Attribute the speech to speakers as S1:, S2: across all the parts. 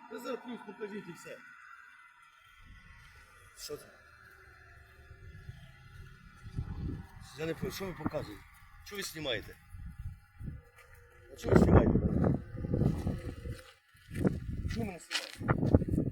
S1: Резерв плюс покажіть і все. Що це? Я не пам'ятаю, що ви показуєте? Що ви знімаєте? А чого ви знімаєте мене? Чого мене знімаєте?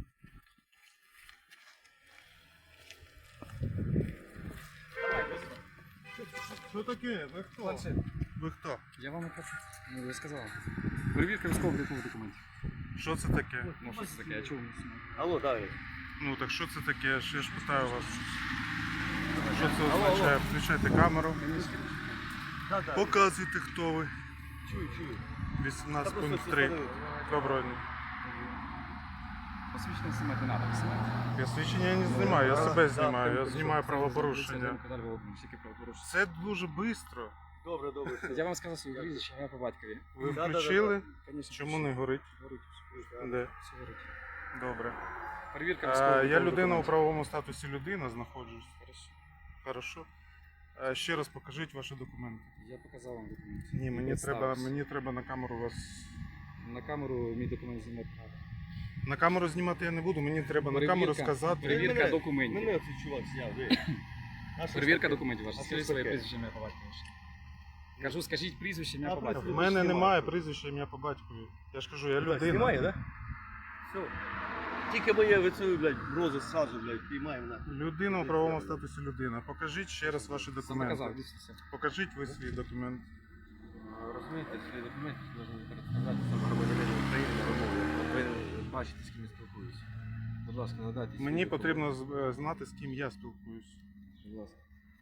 S2: Що таке? Ви хто?
S3: Планшет.
S2: Ви хто?
S3: Я вам хочу. Ну, я сказав. Перевірка військово-облікових документів.
S2: Що це таке?
S3: Ну, що це таке? Я чув.
S1: Алло, Давид.
S2: Ну так що це таке? Я ж питаю вас. Що це
S1: Алло,
S2: означає? Включайте камеру.
S1: Да, да.
S2: Показуйте, хто ви.
S1: Чую, чую.
S2: 18.3. Доброго дня.
S3: Посвідчення знімати не треба. Знімати.
S2: Я свідчення я не знімаю, я себе знімаю, я знімаю
S3: Це
S2: правопорушення.
S3: Далі Володимир, тільки правопорушення.
S2: Це дуже швидко.
S1: Добре, добре.
S3: Я вам сказав своє прізвище, я по батькові.
S2: Ви
S1: Да, да, да,
S2: включили?
S3: Конечно,
S2: Чому не горить?
S3: Горить.
S2: Де?
S3: Все горить.
S2: Добре.
S3: Перевірка
S2: Я
S3: військово-облікових
S2: людина у
S3: документів.
S2: правовому статусі людина знаходжусь. Хорошо. Ще раз покажіть ваші документи.
S3: Я показав вам документ.
S2: Ні, мені треба на камеру вас.
S3: На камеру мій документ знімати треба.
S2: На камеру знімати я не буду, мені треба на камеру сказати.
S3: Перевірка документів.
S1: Мене цей чувак зняв, ви. А що
S3: Перевірка
S1: таке?
S3: документів ваша.
S1: А що
S3: Скажіть своє
S1: таке?
S3: прізвище, ім'я по батькові. Кажу, скажіть прізвище, ім'я
S1: А,
S3: по
S2: В
S3: батькові.
S2: мене
S1: знімаю.
S2: немає прізвища ім'я по батькові. Я ж кажу, я
S1: Так,
S2: людина.
S1: знімає, да? Все. Тільки моє вицею, блядь, розу сразу, блядь, піймає мене.
S2: Людина у правовому статусі людина. Покажіть ще раз ваші
S3: Сам
S2: документи.
S3: показав, дивіться.
S2: Покажіть ви свій документ.
S4: Розумієте, свої документи повинні представляти саме громадянин України на вимогу. Ви повинні бачити, з ким я спілкуюся. Будь ласка, надайте свої
S2: Мені
S4: документи.
S2: потрібно знати, з ким я спілкуюсь.
S4: Будь ласка.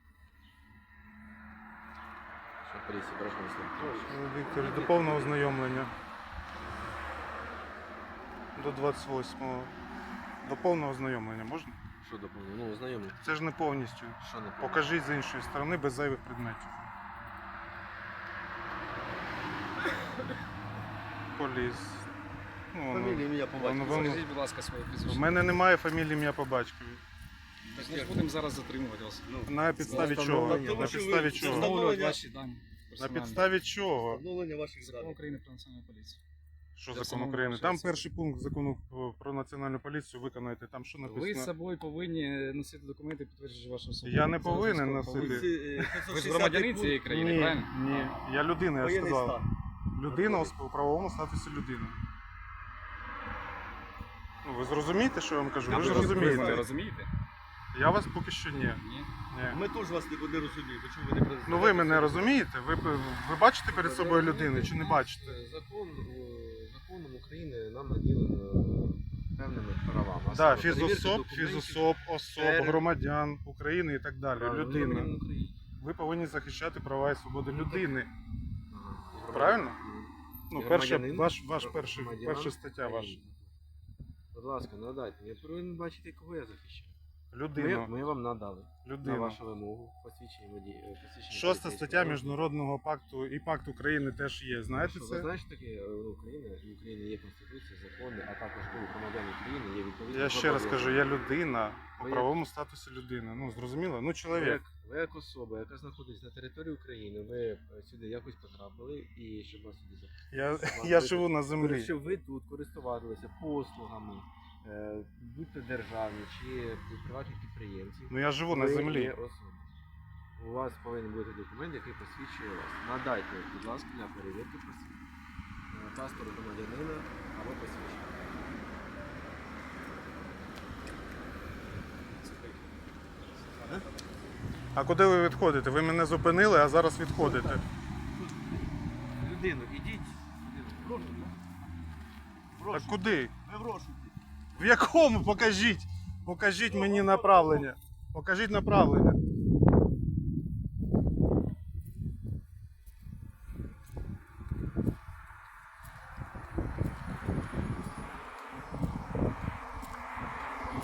S4: Що поліція, прошу вас.
S2: Віктор, до повного ознайомлення. До 28-го. До повного ознайомлення можна?
S4: Що доповнено? Ну, знайомі.
S2: Це ж не повністю.
S4: Що не
S2: Покажіть з іншої сторони без зайвих предметів. Поліс. Ну, воно-
S1: Фамілія, ім'я по
S2: воно-
S1: батькові.
S2: воно-
S3: Скажіть, будь ласка, своє
S2: В
S3: прізвище.
S2: мене немає фамілії ім'я по батькові.
S3: Так ми ж будемо зараз затримувати вас.
S2: На підставі чого?
S1: встановлення
S2: На
S1: вашої-
S2: підставі
S1: це
S2: чого?
S3: Встановлювати ваші дані.
S2: На
S3: персональні.
S2: підставі чого?
S1: Встановлення ваших
S3: Закон
S1: даних.
S3: України про національну поліцію.
S2: Що
S3: Це
S2: закон
S3: встановлення
S2: України?
S3: вашої
S2: Там
S3: особи.
S2: перший пункт закону про національну поліцію виконайте. Там що
S3: Ви з
S2: написано?
S3: собою повинні носити документи, підтверджуючи вашу особу.
S2: Я не
S3: Це
S2: повинен
S3: обов'язково
S2: носити.
S3: повинні.
S1: Ви
S3: Ви ж громадянин цієї країни,
S2: Ні,
S3: правильно?
S2: ні. Я людина, я
S1: Воєнний
S2: сказав.
S1: стан.
S2: Людина у правовому статусі людини. Ну, ви зрозумієте, що я вам кажу? Ви ж
S3: Ви
S2: розумієте.
S3: розумієте?
S2: Я вас поки що ні.
S3: Ні.
S2: Ні.
S1: Ми теж вас не розуміємо, чому ви не президент.
S2: Ну ви мене розумієте? Ви бачите перед собою людину чи не бачите?
S4: Законом України нам наділено певними правами. А
S2: Так,
S4: саме перевірка
S2: фізособ,
S4: документів,
S2: фізособ, особ,
S4: перед-
S2: громадян України і так далі.
S4: правильно,
S2: Людина.
S4: громадянин України.
S2: Ви повинні захищати права і свободи людини.
S4: Ага.
S2: Правильно? Ну,
S4: І
S2: перша,
S4: громадянин,
S2: ваш
S4: громадянин
S2: перша стаття ваша.
S4: України. Будь ласка, надайте. Я повинен бачити, кого я захищаю.
S2: Людина.
S4: Ми вам надали на
S2: Людина.
S4: вашу вимогу посвідчення водія.
S2: Шоста
S4: поліцейського.
S2: стаття Міжнародного пакту і пакт України теж є. Знаєте
S4: Ви
S2: це?
S4: знаєте, таке Україна, і в Україні є Конституція, закони, а також у громадян України є відповідні
S2: Я ще раз кажу,
S4: зобов'язання.
S2: я людина у
S4: Ви як-
S2: правовому статусі людини. Ну, зрозуміло? Ну,
S4: Ви
S2: чоловік.
S4: як особа, яка знаходиться на території України, ви сюди якось потрапили і щоб вас сюди запустити.
S2: Я живу на землі.
S4: Щоб ви тут користувалися послугами, будь-то державні чи приватних підприємців.
S2: Ну я живу на
S4: Ви
S2: землі.
S4: є особа. У вас повинен бути документ, який посвідчує вас. Надайте, будь ласка, для перевірки паспорт громадянина або посвідчення.
S2: А куди ви відходите? Ви мене зупинили, а зараз відходите.
S4: Людину, ідіть.
S2: Так куди?
S1: Ви в розшуку.
S2: В якому? Покажіть. Покажіть мені направлення. Покажіть направлення.